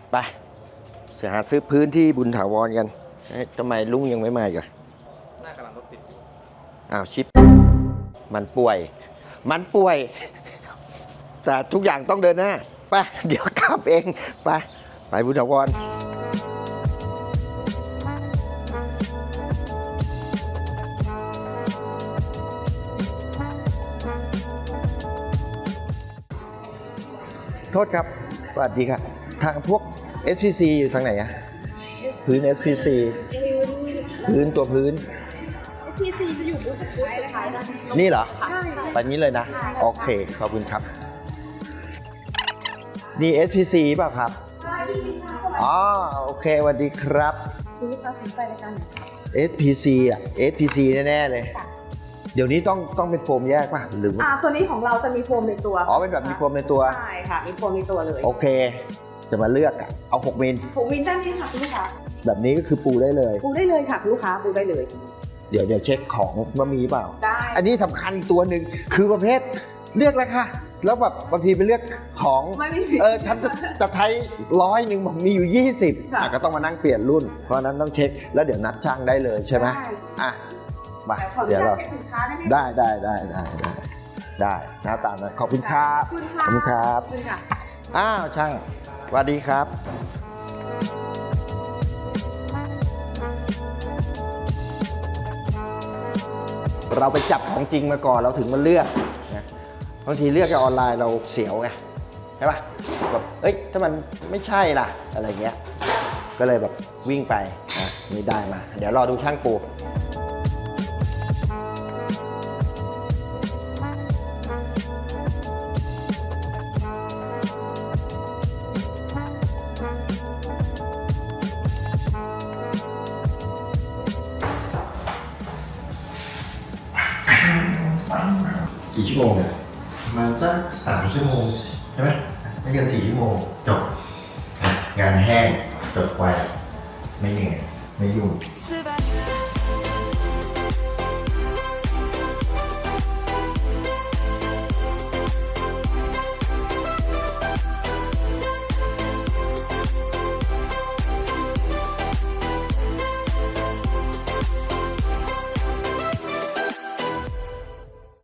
ไปจะหาซื้อพื้นที่บุญถาวรกันทำไมลุงยังไม่มาอีกอ่ะน่ากำลังรถติดอยู่อ้าวชิปมันป่วยแต่ทุกอย่างต้องเดินหน้าไปเดี๋ยวขับเองไปบุญถาวรโทษครับสวัสดีครับทางพวก SPC อยู่ทางไหนอะพื้น SPC พื้นตัวพื้น SPC จะอยู่บูธสุดท้ายนะนี่เหรอใช่ไปนี้เลยนะ โอเค ขอบคุณครับ นี่ SPC ป่ะครับอ๋อโอเคสวัสดีครับคุณลูกค้าสนใจในการ SPC อ่ะ SPC แน่ๆเลยเดี๋ยวนี้ต้องเป็นโฟมแยกป่ะหรือตัวนี้ของเราจะมีโฟมในตัวอ๋อเป็นแบบมีโฟมในตัวใช่ค่ะมีโฟมในตัวเลยโอเคจะมาเลือกอ่ะเอา6มิล 6 มิลด้านนี้ค่ะคุณลูกค้าแบบนี้ก็คือปูได้เลยปูได้เลยค่ะคุณลูกค้าปูได้เลยเดี๋ยวเช็คของว่ามีเปล่าได้อันนี้สำคัญตัวหนึ่งคือประเภทเลือกแล้วค่ะแล้วแบบบางทีไปเลือกของฉันจะใช้100บอกมีอยู่20ก็ต้องมานั่งเปลี่ยนรุ่นเพราะนั้นต้องเช็คแล้วเดี๋ยวนัดช่างได้เลยใช่ไหมมาเดี๋ยวเราได้หน้าตานะขอบคุณครับขอบคุณครับอ้าวช่างสวัสดีครับเราไปจับของจริงมาก่อนเราถึงมาเลือกนะบางทีเลือกจากออนไลน์เราเสียวไงใช่ป่ะแบบถ้ามันไม่ใช่ล่ะอะไรเงี้ยก็เลยแบบวิ่งไปนะนี่ได้มาเดี๋ยวรอดูช่างปูกี่ชั่วโมงเนี่ยประมาณสัก3 ชั่วโมงใช่ไหมไม่เกิน4 ชั่วโมงจบงานแห้งจบไวไม่เหนื่อยไม่ยุ่ง